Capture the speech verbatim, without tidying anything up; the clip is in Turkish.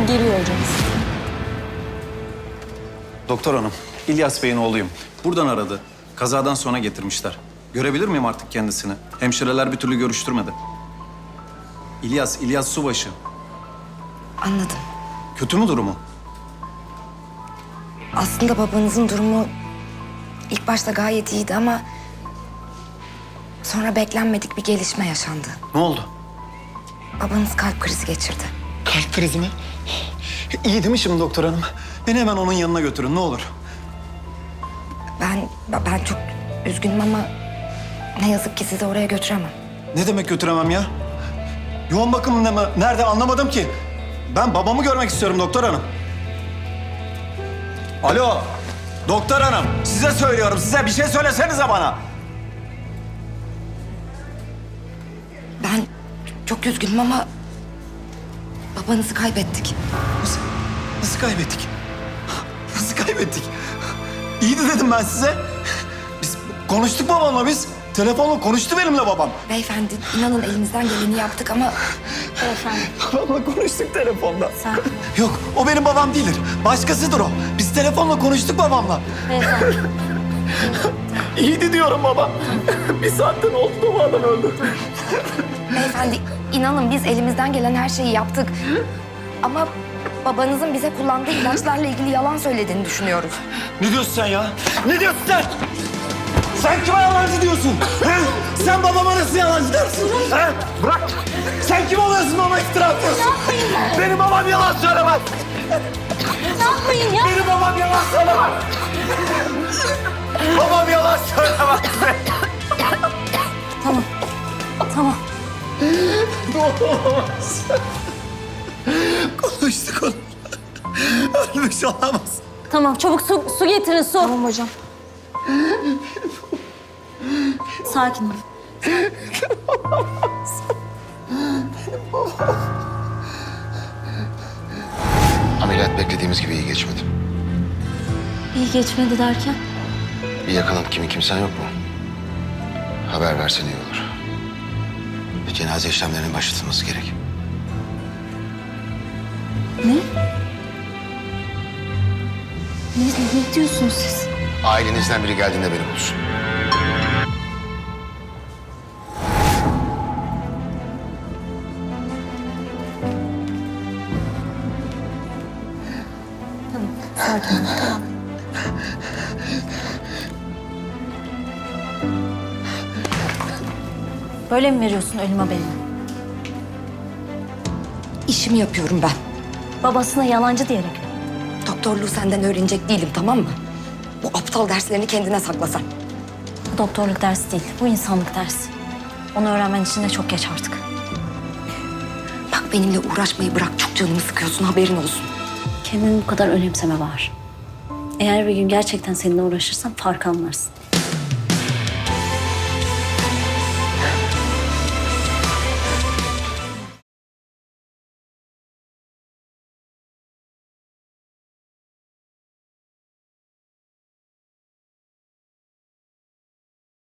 geliyor hocamız. Doktor hanım, İlyas Bey'in oğluyum. Buradan aradı. Kazadan sonra getirmişler. Görebilir miyim artık kendisini? Hemşireler bir türlü görüştürmedi. İlyas, İlyas Subaşı. Anladım. Kötü mü durumu? Aslında babanızın durumu ilk başta gayet iyiydi ama sonra beklenmedik bir gelişme yaşandı. Ne oldu? Babanız kalp krizi geçirdi. Kalp krizi mi? İyi değil mi şimdi doktor hanım? Beni hemen onun yanına götürün ne olur. Ben ben çok üzgünüm ama ne yazık ki sizi oraya götüremem. Ne demek götüremem ya? Yoğun bakımında mı? Nerede anlamadım ki. Ben babamı görmek istiyorum doktor hanım. Alo, doktor hanım. Size söylüyorum, size bir şey söylesenize bana. Ben çok üzgünüm ama babanızı kaybettik. Nasıl, nasıl kaybettik? Nasıl kaybettik? İyiydi dedim ben size. Biz konuştuk babamla biz. Telefonla konuştu benimle babam. Beyefendi inanın elimizden geleni yaptık ama... Beyefendi. Babamla konuştuk telefonda. Sakin ol. Yok, o benim babam değildir. Başkasıdır o. Biz telefonla konuştuk babamla. Beyefendi. İyiydi diyorum baba. Bir saatten oldu da bu adam öldü. Beyefendi inanın biz elimizden gelen her şeyi yaptık. Ama babanızın bize kullandığı ilaçlarla ilgili yalan söylediğini düşünüyoruz. Ne diyorsun sen ya? Ne diyorsun sen? Sen kime yalancı diyorsun? He? Sen babama nasıl yalancı dersin? He? Bırak! Sen kim oluyorsun bana iftira atıyorsun? Benim babam yalan söylemez. Ne yapmayın ya? Benim babam yalan söylemez. Babam yalan söylemez. Tamam. Tamam. Olamaz. Konuştuk onu. Ölmüş olamaz. Tamam çabuk su, su getirin su. Tamam hocam. Sakin ol. Ameliyat beklediğimiz gibi iyi geçmedi. İyi geçmedi derken? Bir yakınım kimin kimsen yok mu? Haber versen iyi olur. Cenaze işlemlerinin başlatılması gerek. Ne? Ne, ne diyorsunuz siz? Ailenizden biri geldiğinde beni bulsun. Tamam sakin ol. Tamam. Böyle mi veriyorsun ölüm haberini? İşimi yapıyorum ben. Babasına yalancı diyerek mi? Doktorluğu senden öğrenecek değilim tamam mı? Bu aptal derslerini kendine sakla sen. Bu doktorluk dersi değil, bu insanlık dersi. Onu öğrenmen için de çok geç artık. Bak benimle uğraşmayı bırak çok canımı sıkıyorsun haberin olsun. Kendini bu kadar önemseme var. Eğer bir gün gerçekten seninle uğraşırsam fark anlarsın.